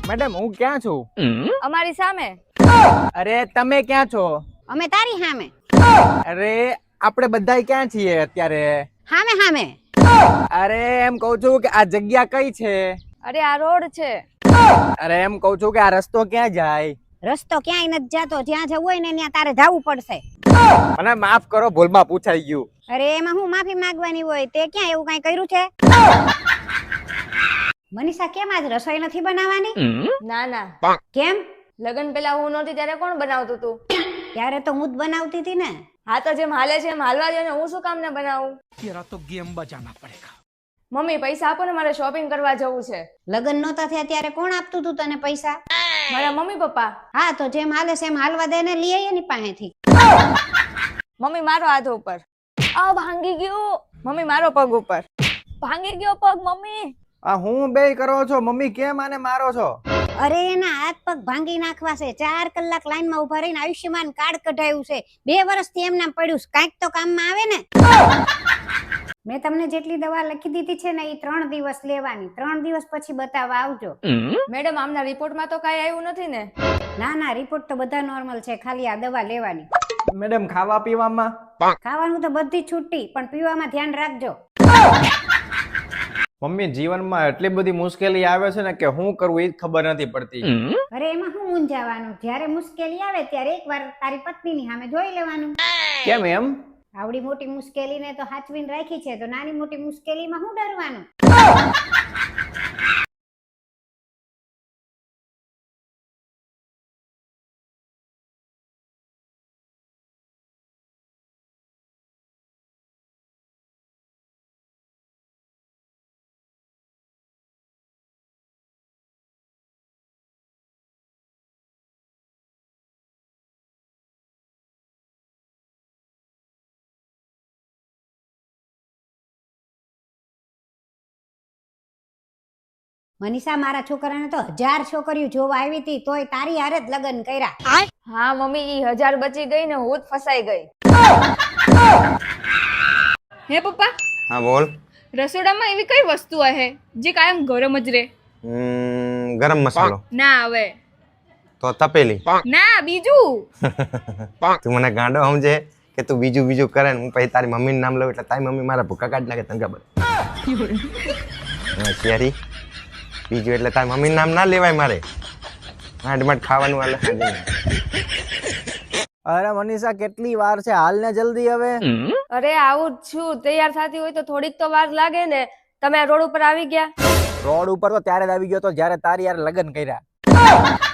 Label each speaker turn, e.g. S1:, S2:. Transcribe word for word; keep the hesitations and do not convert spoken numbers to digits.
S1: Madam હું ક્યાં છું?
S2: અમારી સામે.
S1: અરે તમે ક્યાં છો?
S3: અમે તારી સામે.
S1: અરે આપણે બધાય ક્યાં છીએ અત્યારે?
S3: સામે સામે.
S1: અરે એમ કહું છું કે આ જગ્યા કઈ છે?
S2: અરે આ રોડ છે.
S1: અરે એમ કહું છું કે આ રસ્તો ક્યાં જાય?
S3: રસ્તો ક્યાંય નથી જાતો, જ્યાં જવું હોય ને ત્યાં તારે જવું પડશે.
S1: મને માફ કરો, ભૂલમાં પૂછાઈ ગયું.
S3: અરે એમાં હું માફી માંગવાની હોય? તે ક્યાં એવું કઈ કર્યું છે? મનીષા કેમ આજ રસોઈ નથી બનાવવાની?
S2: ના ના.
S3: કેમ?
S2: લગન પેલા હું નહોતી ત્યારે કોણ બનાવતું તું?
S3: ત્યારે તો હું જ બનાવતી હતી ને.
S2: હા તો જેમ હાલે છે એમ હાલવા દે ને, હું શું કામ ને બનાવું?
S4: तेरा तो गेम बजाना पड़ेगा।
S2: મમ્મી પૈસા આપો ને, મારે શોપિંગ કરવા જવું છે.
S3: લગન નહોતા થયા ત્યારે કોણ આપતું તું તને પૈસા?
S2: મારા મમ્મી પપ્પા.
S3: હા તો જેમ હાલે છે એમ હાલવા દે ને, લઈ આવીએ ની પાસેથી.
S2: મમ્મી મારો હાથ ઉપર. આ ભાંગી ગયો. મમ્મી મારો પગ ઉપર. ભાંગી ગયો પગ મમ્મી.
S1: આ હું બે કરો છો મમ્મી, કેમ આને મારો છો?
S3: અરે એના હાથ પગ ભાંગી નાખવા છે. ચાર કલાક લાઈનમાં ઉભા રહીને આયુષ્યમાન કાર્ડ કઢાયું છે. બે વર્ષથી એમનામ પડ્યું છે, કાંઈક તો કામમાં આવે ને. મેં તમને જેટલી દવા લખી દીધી છે ને, એ ત્રણ દિવસ લેવાની. ત્રણ દિવસ પછી બતાવવા આવજો.
S2: મેડમ આમના રિપોર્ટમાં તો કાંઈ આવ્યું નથી ને?
S3: ના ના, રિપોર્ટ તો બધા નોર્મલ છે, ખાલી આ દવા લેવાની.
S1: મેડમ ખાવા પીવામાં?
S3: ખાવાનું તો બધી છૂટી, પણ પીવામાં ધ્યાન રાખજો.
S1: મમ્મી જીવનમાં એટલી બધી મુશ્કેલી આવે છે ને કે શું કરવું એ જ ખબર નથી પડતી.
S3: અરે એમાં શું મૂંઝાવાનું? જ્યારે મુશ્કેલી આવે ત્યારે એકવાર તારી પત્નીની સામે જોઈ લેવાનું.
S1: કેમ એમ?
S3: આવડી મોટી મુશ્કેલીને તો હાચવીને રાખી છે, તો નાની મોટી મુશ્કેલીમાં શું ડરવાનું? મનીષા, મારા છોકરાને તો હજાર છોકરીઓ જોવા આવી હતી, તોય તારી હારે જ લગ્ન કર્યા.
S2: હા મમ્મી, ઈ હજાર બચી ગઈ ને હું જ ફસાઈ ગઈ.
S5: હે પપ્પા,
S6: હા બોલ.
S5: રસોડામાં એવી કઈ વસ્તુ હે જે કાયમ ગરમ જ રહે?
S6: હમ, ગરમ મસાલો.
S5: ના હવે.
S6: તો તપેલી.
S5: ના બીજું.
S6: તું મને ગાંડો સમજે કે તું બીજું બીજું કરે ને હું પછી તારી મમ્મીનું નામ લઉં એટલે તારી મમ્મી મારા ભૂકા કાઢી નાખે, તને ખબર? શેરી બીજું એટલે તારી મમ્મીનું નામ ના લેવાય મારે. માંડ માંડ ખાવાનું હાલે સાંજે.
S1: અરે મનીષા કેટલી વાર છે, હાલ ને જલ્દી હવે.
S2: અરે આવું જ છું, તૈયાર થતી હોય તો થોડીક તો વાર લાગે ને. તમે રોડ ઉપર આવી ગયા?
S1: રોડ ઉપર તો ત્યારે જ આવી ગયો તો જ્યારે તારી યાર લગ્ન કર્યા.